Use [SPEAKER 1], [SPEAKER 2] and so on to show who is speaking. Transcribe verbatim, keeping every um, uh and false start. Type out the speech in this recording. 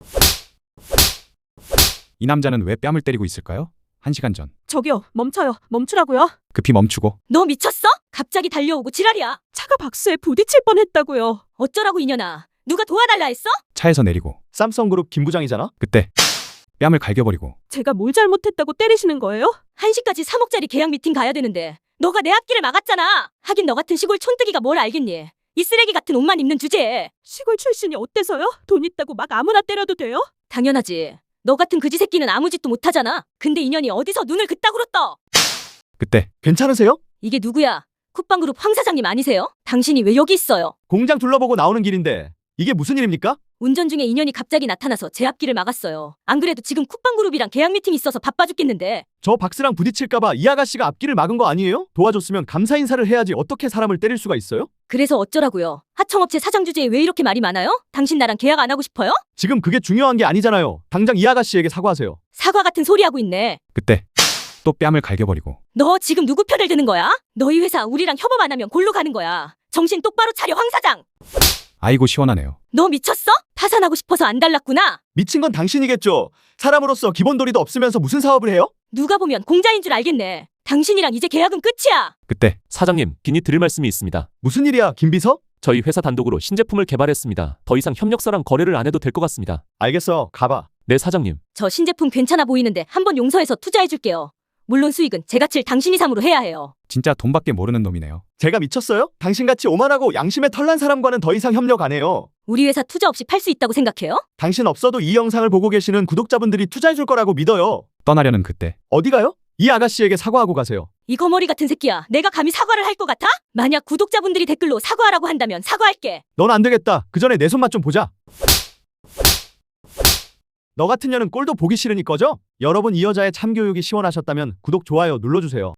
[SPEAKER 1] 이 남자는 왜 뺨을 때리고 있을까요? 한 시간 전
[SPEAKER 2] 저기요, 멈춰요. 멈추라고요.
[SPEAKER 1] 급히 멈추고
[SPEAKER 3] 너 미쳤어? 갑자기 달려오고 지랄이야.
[SPEAKER 2] 차가 박스에 부딪힐 뻔했다고요.
[SPEAKER 3] 어쩌라고 이년아. 누가 도와달라 했어?
[SPEAKER 1] 차에서 내리고
[SPEAKER 4] 삼성그룹 김 부장이잖아?
[SPEAKER 1] 그때 뺨을 갈겨버리고
[SPEAKER 2] 제가 뭘 잘못했다고 때리시는 거예요?
[SPEAKER 3] 한 시까지 삼억짜리 계약 미팅 가야 되는데 너가 내 앞길을 막았잖아. 하긴 너 같은 시골 촌뜨기가 뭘 알겠니? 이 쓰레기 같은 옷만 입는 주제에.
[SPEAKER 2] 시골 출신이 어때서요? 돈 있다고 막 아무나 때려도 돼요?
[SPEAKER 3] 당연하지. 너 같은 그지 새끼는 아무 짓도 못하잖아. 근데 이년이 어디서 눈을 그따구로 떠?
[SPEAKER 1] 그때
[SPEAKER 4] 괜찮으세요?
[SPEAKER 3] 이게 누구야? 쿠팡그룹 황 사장님 아니세요? 당신이 왜 여기 있어요?
[SPEAKER 4] 공장 둘러보고 나오는 길인데 이게 무슨 일입니까?
[SPEAKER 3] 운전 중에 인연이 갑자기 나타나서 제 앞길을 막았어요. 안 그래도 지금 쿠팡그룹이랑 계약 미팅 있어서 바빠 죽겠는데.
[SPEAKER 4] 저 박스랑 부딪힐까봐 이 아가씨가 앞길을 막은 거 아니에요? 도와줬으면 감사 인사를 해야지 어떻게 사람을 때릴 수가 있어요?
[SPEAKER 3] 그래서 어쩌라고요? 하청업체 사장 주제에 왜 이렇게 말이 많아요? 당신 나랑 계약 안 하고 싶어요?
[SPEAKER 4] 지금 그게 중요한 게 아니잖아요. 당장 이 아가씨에게 사과하세요.
[SPEAKER 3] 사과 같은 소리 하고 있네.
[SPEAKER 1] 그때 또 뺨을 갈겨버리고
[SPEAKER 3] 너 지금 누구 편을 드는 거야? 너희 회사 우리랑 협업 안 하면 골로 가는 거야. 정신 똑바로 차려 황 사장.
[SPEAKER 1] 아이고 시원하네요.
[SPEAKER 3] 너 미쳤어? 파산하고 싶어서 안 달랐구나.
[SPEAKER 4] 미친 건 당신이겠죠. 사람으로서 기본 도리도 없으면서 무슨 사업을 해요?
[SPEAKER 3] 누가 보면 공자인 줄 알겠네. 당신이랑 이제 계약은 끝이야.
[SPEAKER 1] 그때
[SPEAKER 5] 사장님, 긴히 드릴 말씀이 있습니다.
[SPEAKER 4] 무슨 일이야, 김 비서?
[SPEAKER 5] 저희 회사 단독으로 신제품을 개발했습니다. 더 이상 협력사랑 거래를 안 해도 될 것 같습니다.
[SPEAKER 4] 알겠어, 가봐.
[SPEAKER 5] 네, 사장님.
[SPEAKER 3] 저 신제품 괜찮아 보이는데 한번 용서해서 투자해줄게요. 물론 수익은 제가 칠 당신이 삼으로 해야 해요.
[SPEAKER 1] 진짜 돈밖에 모르는 놈이네요.
[SPEAKER 4] 제가 미쳤어요? 당신같이 오만하고 양심에 털난 사람과는 더 이상 협력 안 해요.
[SPEAKER 3] 우리 회사 투자 없이 팔 수 있다고 생각해요?
[SPEAKER 4] 당신 없어도 이 영상을 보고 계시는 구독자분들이 투자해줄 거라고 믿어요.
[SPEAKER 1] 떠나려는 그때
[SPEAKER 4] 어디 가요? 이 아가씨에게 사과하고 가세요.
[SPEAKER 3] 이 거머리 같은 새끼야. 내가 감히 사과를 할 것 같아? 만약 구독자분들이 댓글로 사과하라고 한다면 사과할게.
[SPEAKER 4] 넌 안 되겠다. 그 전에 내 손맛 좀 보자. 너 같은 년은 꼴도 보기 싫으니 꺼져? 여러분 이 여자의 참교육이 시원하셨다면 구독, 좋아요 눌러주세요.